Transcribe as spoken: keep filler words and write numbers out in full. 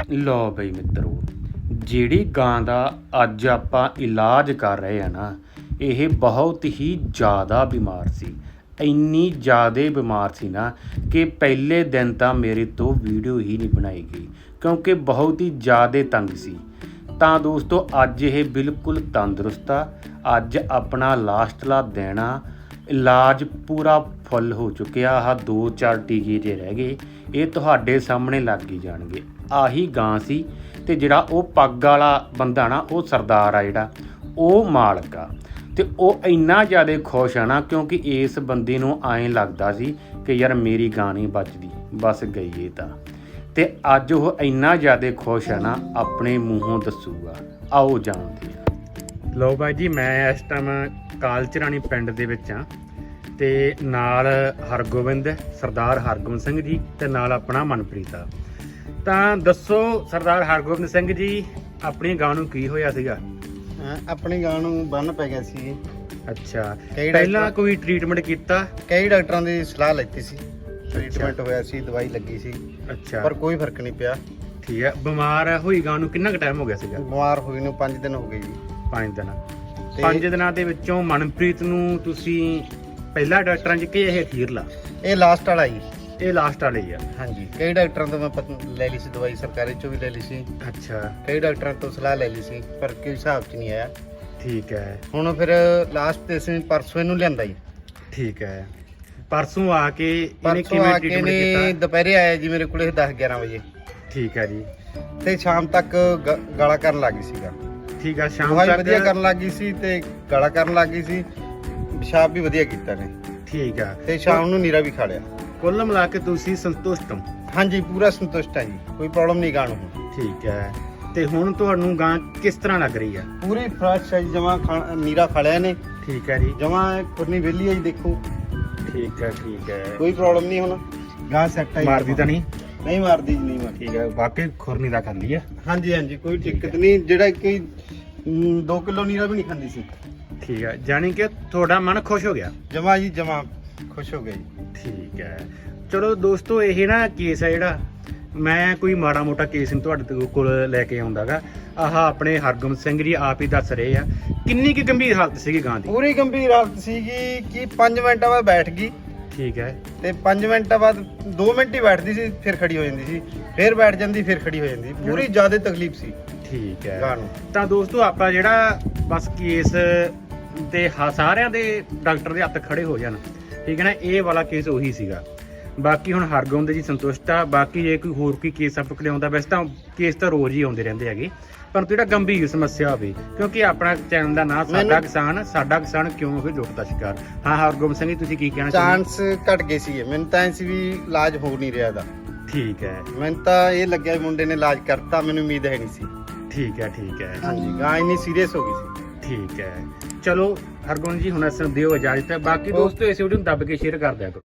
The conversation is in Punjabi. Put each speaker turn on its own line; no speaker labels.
ਲਓ ਬਈ ਮਿੱਤਰੋ, ਜਿਹੜੀ ਗਾਂ ਦਾ ਅੱਜ ਆਪਾਂ ਇਲਾਜ ਕਰ ਰਹੇ ਆ ਨਾ, ਇਹ ਬਹੁਤ ਹੀ ਜ਼ਿਆਦਾ ਬਿਮਾਰ ਸੀ। ਇੰਨੀ ਜ਼ਿਆਦਾ ਬਿਮਾਰ ਸੀ ਨਾ ਕਿ ਪਹਿਲੇ ਦਿਨ ਤਾਂ ਮੇਰੇ ਤੋਂ ਵੀਡੀਓ ਹੀ ਨਹੀਂ ਬਣਾਈ ਗਈ, ਕਿਉਂਕਿ ਬਹੁਤ ਹੀ ਜ਼ਿਆਦਾ ਤੰਗ ਸੀ। ਤਾਂ ਦੋਸਤੋ, ਅੱਜ ਇਹ ਬਿਲਕੁਲ ਤੰਦਰੁਸਤ ਆ। ਅੱਜ ਆਪਣਾ ਲਾਸਟਲਾ ਦਿਨ ਆ। ਇਲਾਜ ਪੂਰਾ ਫੁੱਲ ਹੋ ਚੁੱਕਿਆ। ਆਹ ਦੋ ਚਾਰ ਟੀਕੇ ਜੇ ਰਹਿ ਗਏ, ਇਹ ਤੁਹਾਡੇ ਸਾਹਮਣੇ ਲੱਗ ਹੀ ਜਾਣਗੇ। ਆਹੀ ਗਾਂ ਸੀ ਤੇ ਜਿਹੜਾ ਉਹ ਪੱਗ ਵਾਲਾ ਬੰਦਾ ਨਾ, ਉਹ ਸਰਦਾਰ ਆ ਜਿਹੜਾ, ਉਹ ਮਾਲਕ ਆ। ਤੇ ਉਹ ਇੰਨਾ ਜ਼ਿਆਦਾ ਖੁਸ਼ ਆ ਨਾ, ਕਿਉਂਕਿ ਇਸ ਬੰਦੇ ਨੂੰ ਐਂ ਲੱਗਦਾ ਸੀ ਕਿ ਯਾਰ ਮੇਰੀ ਗਾਂ ਨਹੀਂ ਬਚਦੀ, ਬਸ ਗਈ ਇਹ ਤਾਂ। ਤੇ ਅੱਜ ਉਹ ਇੰਨਾ ਜ਼ਿਆਦਾ ਖੁਸ਼ ਆ ਨਾ, ਆਪਣੇ ਮੂੰਹੋਂ ਦੱਸੂਗਾ। ਆਓ ਜਾਣਦੇ ਆ। ਲਓ ਬਾਈ ਜੀ, ਮੈਂ ਇਸ ਟਾਈਮ ਕਾਲਚਰਾਣੀ ਪਿੰਡ ਦੇ ਵਿੱਚ ਆ ਤੇ ਨਾਲ ਹਰਗੋਬਿੰਦ ਸਰਦਾਰ ਹਰਗੋਬਿੰਦ ਸਿੰਘ ਜੀ ਤੇ ਨਾਲ ਆਪਣਾ ਮਨਪ੍ਰੀਤ ਆ। ਤਾਂ ਦੱਸੋ ਸਰਦਾਰ ਹਰਗੋਬਿੰਦ ਸਿੰਘ ਜੀ, ਆਪਣੀ ਗਾਂ ਨੂੰ ਕੀ ਹੋਇਆ ਸੀਗਾ?
ਆਪਣੀ ਗਾਂ ਨੂੰ ਬੰਨ ਪੈ ਗਿਆ ਸੀ।
ਅੱਛਾ, ਪਹਿਲਾਂ ਕੋਈ ਟ੍ਰੀਟਮੈਂਟ ਕੀਤਾ?
ਕਈ ਡਾਕਟਰਾਂ ਦੀ ਸਲਾਹ ਲੈਤੀ ਸੀ, ਟ੍ਰੀਟਮੈਂਟ ਹੋਇਆ ਸੀ, ਦਵਾਈ ਲੱਗੀ ਸੀ,
ਅੱਛਾ,
ਪਰ ਕੋਈ ਫਰਕ ਨਹੀਂ ਪਿਆ।
ਠੀਕ ਹੈ। ਬਿਮਾਰ ਹੋਈ ਗਾਂ ਨੂੰ ਕਿੰਨਾ ਕੁ ਟਾਈਮ ਹੋ ਗਿਆ ਸੀਗਾ?
ਬਿਮਾਰ ਹੋਈ ਨੂੰ ਪੰਜ ਦਿਨ ਹੋ ਗਏ ਜੀ।
ਪੰਜ ਦਿਨ। ਪੰਜ ਦਿਨਾਂ ਦੇ ਵਿੱਚੋਂ ਮਨਪ੍ਰੀਤ ਨੂੰ ਤੁਸੀਂ ਪਹਿਲਾ ਡਾਕਟਰਾਂ 'ਚ ਕਿ ਇਹ ਅਖੀਰਲਾ?
ਇਹ ਲਾਸਟ ਵਾਲਾ ਜੀ।
ਇਹ ਲਾਸਟ ਵਾਲੇ ਹੀ ਆ?
ਹਾਂਜੀ, ਕਈ ਡਾਕਟਰਾਂ ਤੋਂ ਮੈਂ ਪਤਾ ਲੈ ਲਈ ਸੀ ਦਵਾਈ, ਸਰਕਾਰੀ ਚੋਂ ਵੀ ਲੈ ਲਈ ਸੀ।
ਅੱਛਾ,
ਕਈ ਡਾਕਟਰਾਂ ਤੋਂ ਸਲਾਹ ਲੈ ਲਈ ਸੀ, ਪਰ ਕੋਈ ਹਿਸਾਬ 'ਚ ਨਹੀਂ ਆਇਆ।
ਠੀਕ ਹੈ।
ਹੁਣ ਫਿਰ ਲਾਸਟ ਤੇ ਅਸੀਂ ਪਰਸੋਂ ਇਹਨੂੰ ਲਿਆਂਦਾ ਜੀ।
ਠੀਕ ਹੈ। ਪਰਸੋਂ ਆ ਕੇ ਇਹਨੇ
ਪਰਸੋਂ
ਕਿਵੇਂ
ਆ ਕੇ
ਟ੍ਰੀਟਮੈਂਟ
ਨੇ
ਕੀਤਾ?
ਦੁਪਹਿਰੇ ਆਇਆ ਜੀ ਮੇਰੇ ਕੋਲੇ ਦਸ ਗਿਆਰਾਂ ਵਜੇ,
ਠੀਕ ਹੈ ਜੀ।
ਤੇ ਸ਼ਾਮ ਤੱਕ ਗ- ਗਾਲਾਂ ਕਰਨ ਲੱਗ ਗਈ ਸੀਗਾ।
ਠੀਕ ਆ। ਸ਼ਾਮ
ਦਵਾਈ
ਤੱਕ
ਵਧੀਆ ਕਰਨ ਲੱਗ ਗਈ ਸੀ ਤੇ ਗਾਲਾਂ ਕਰਨ ਲੱਗ ਗਈ ਸੀ। ਪਿਸ਼ਾਬ ਵੀ ਵਧੀਆ ਕੀਤਾ ਨੇ
ਠੀਕ ਆ।
ਤੇ ਸ਼ਾਮ ਨੂੰ ਨੀਰਾ ਵੀ ਖਾ ਲਿਆ।
ਕੁੱਲ ਮਿਲਾ ਕੇ ਤੁਸੀਂ ਸੰਤੁਸ਼ਟ ਹੋ?
ਹਾਂਜੀ, ਪੂਰਾ ਸੰਤੁਸ਼ਟ ਹਾਂ ਜੀ, ਕੋਈ ਪ੍ਰੋਬਲਮ ਨਹੀਂ ਗਾਂ ਨੂੰ।
ਠੀਕ ਹੈ। ਤੇ ਹੁਣ ਤੁਹਾਨੂੰ ਗਾਂ ਕਿਸ ਤਰ੍ਹਾਂ ਲੱਗ ਰਹੀ ਆ?
ਪੂਰੀ ਫਰੈਸ਼ ਹੈ ਜੀ, ਜਮਾ ਨੀਰਾ ਖਾ ਲਿਆ ਨੇ।
ਠੀਕ ਹੈ ਜੀ।
ਜਮਾ ਖੁਰਨੀ ਵਿਹਲੀ ਹੈ ਜੀ, ਦੇਖੋ।
ਠੀਕ ਹੈ, ਠੀਕ ਹੈ।
ਕੋਈ ਪ੍ਰੋਬਲਮ ਨਹੀਂ ਹੁਣ, ਗਾਂ ਸੈੱਟ ਹੈ ਜੀ।
ਮਾਰਦੀ ਤਾਂ ਨਹੀਂ?
ਨਹੀਂ ਮਾਰਦੀ ਜੀ, ਨਹੀਂ ਮਾਰਦੀ।
ਠੀਕ ਹੈ। ਬਾਕੀ ਖੁਰਨੀ ਦਾ ਖਾਂਦੀ ਆ?
ਹਾਂਜੀ ਹਾਂਜੀ, ਕੋਈ ਦਿੱਕਤ ਨਹੀਂ। ਜਿਹੜਾ ਕਿ ਦੋ ਕਿਲੋ ਨੀਰਾ ਵੀ ਨਹੀਂ ਖਾਂਦੀ ਸੀ।
ਠੀਕ ਹੈ। ਜਾਣੀ ਕਿ ਤੁਹਾਡਾ ਮਨ ਖੁਸ਼ ਹੋ ਗਿਆ?
ਜਮਾ ਜੀ, ਜਮਾ ਖੁਸ਼ ਹੋ ਗਿਆ ਜੀ।
ਠੀਕ ਹੈ। ਚਲੋ ਦੋਸਤੋ, ਇਹ ਨਾ ਕੇਸ ਹੈ ਜਿਹੜਾ, ਮੈਂ ਕੋਈ ਮਾੜਾ ਮੋਟਾ ਕੇਸ ਨਹੀਂ ਤੁਹਾਡੇ ਕੋਲ ਲੈ ਕੇ ਆਉਂਦਾਗਾ। ਆਹ ਆਪਣੇ ਹਰਗੋਬਿੰਦ ਸਿੰਘ ਜੀ ਆਪ ਹੀ ਦੱਸ ਰਹੇ ਆ। ਕਿੰਨੀ ਕੁ ਗੰਭੀਰ ਹਾਲਤ ਸੀਗੀ ਗਾਂ ਦੀ?
ਪੂਰੀ ਗੰਭੀਰ ਹਾਲਤ ਸੀਗੀ ਕਿ ਪੰਜ ਮਿੰਟਾਂ ਬਾਅਦ ਬੈਠ ਗਈ।
ਠੀਕ ਹੈ।
ਤੇ ਪੰਜ ਮਿੰਟਾਂ ਬਾਅਦ ਦੋ ਮਿੰਟ ਹੀ ਬੈਠਦੀ ਸੀ, ਫਿਰ ਖੜੀ ਹੋ ਜਾਂਦੀ ਸੀ, ਫਿਰ ਬੈਠ ਜਾਂਦੀ, ਫਿਰ ਖੜੀ ਹੋ ਜਾਂਦੀ। ਪੂਰੀ ਜ਼ਿਆਦਾ ਤਕਲੀਫ ਸੀ।
ਠੀਕ ਹੈ।
ਗਾਂ ਨੂੰ
ਤਾਂ ਦੋਸਤੋ, ਆਪਾਂ ਜਿਹੜਾ ਬਸ ਕੇਸ ਤੇ ਹ- ਸਾਰਿਆਂ ਦੇ ਡਾਕਟਰ ਦੇ ਹੱਥ ਖੜੇ ਹੋ ਜਾਣ, ਠੀਕ ਹੈ ਨਾ, ਇਹ ਵਾਲਾ ਕੇਸ ਉਹੀ ਸੀਗਾ। ਬਾਕੀ ਹੁਣ ਹਰਗੋਬਿੰਦ ਜੀ ਸੰਤੁਸ਼ਟ ਆ। ਬਾਕੀ ਜੇ ਕੋਈ ਹੋਰ ਕੋਈ ਕੇਸ ਆਪਾਂ ਕੋਲ ਆਉਂਦਾ, ਵੈਸੇ ਤਾਂ ਕੇਸ ਤਾਂ ਰੋਜ਼ ਹੀ ਆਉਂਦੇ ਰਹਿੰਦੇ ਹੈਗੇ, ਪਰ ਜਿਹੜਾ ਗੰਭੀਰ ਸਮੱਸਿਆ ਹੋਵੇ, ਕਿਉਂਕਿ ਆਪਣਾ ਚੈਨਲ ਦਾ ਨਾਮ ਸਾਡਾ ਕਿਸਾਨ, ਸਾਡਾ ਕਿਸਾਨ ਕਿਉਂ ਹੋਵੇ ਦੁੱਖ ਦਾ ਸ਼ਿਕਾਰ। ਹਾਂ ਹਰਗੋਬਿੰਦ ਸਿੰਘ ਜੀ, ਤੁਸੀਂ ਕੀ ਕਹਿਣਾ ਚਾਹੁੰਦੇ?
ਚਾਂਸ ਘਟ ਗਏ ਸੀ। ਮੈਨੂੰ ਤਾਂ ਐਂ ਸੀ ਵੀ ਇਲਾਜ ਹੋ ਨਹੀਂ ਰਿਹਾ ਦਾ।
ਠੀਕ ਹੈ।
ਮੈਨੂੰ ਤਾਂ ਇਹ ਲੱਗਿਆ ਵੀ ਮੁੰਡੇ ਨੇ ਇਲਾਜ ਕਰਤਾ, ਮੈਨੂੰ ਉਮੀਦ ਹੈ ਨਹੀਂ ਸੀ।
ਠੀਕ ਹੈ, ਠੀਕ ਹੈ।
ਹਾਂਜੀ, ਗਾਂ ਇੰਨੀ ਸੀਰੀਅਸ ਹੋ ਗਈ ਸੀ।
ਠੀਕ ਹੈ। ਚਲੋ ਹਰਗੋਬਿੰਦ ਜੀ, ਹੁਣ ਅਸਾਂ ਦਿਓ ਇਜਾਜ਼ਤ ਹੈ। ਬਾਕੀ ਦੋਸਤੋ, ਇਸ ਵੀਡੀਓ ਨੂੰ ਦੱਬ ਕੇ ਸ਼ੇਅਰ ਕਰ ਦਿਆ ਕਰੋ।